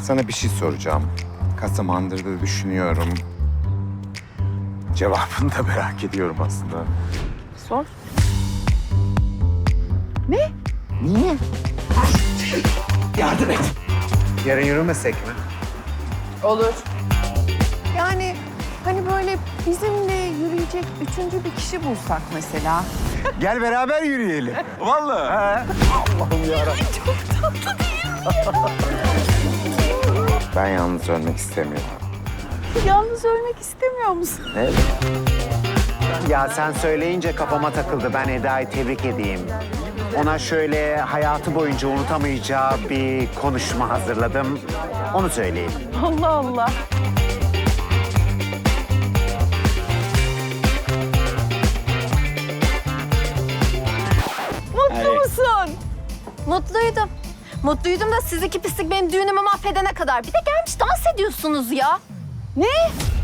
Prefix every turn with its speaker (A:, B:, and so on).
A: Sana bir şey soracağım. Kaç zamandır da düşünüyorum. Cevabını da merak ediyorum aslında.
B: Sor. Ne?
A: Niye? Yardım et. Yarın yürümesek mi?
B: Olur. Yani hani böyle bizimle yürüyecek üçüncü bir kişi bulsak mesela.
A: Gel beraber yürüyelim.
C: Vallahi.
A: Allah'ım yarabbim. Çok tatlı değil mi? Ben yalnız ölmek istemiyorum.
B: Yalnız ölmek istemiyor musun?
A: Ne?
D: Ya sen söyleyince kafama takıldı. Ben Eda'yı tebrik edeyim. Ona şöyle hayatı boyunca unutamayacağı bir konuşma hazırladım. Onu söyleyeyim.
B: Allah Allah. Mutlu musun?
E: Mutluydum. Mutluydum da siz iki pislik benim düğünümü mahvedene kadar. Bir de gelmiş dans ediyorsunuz ya.
B: Ne?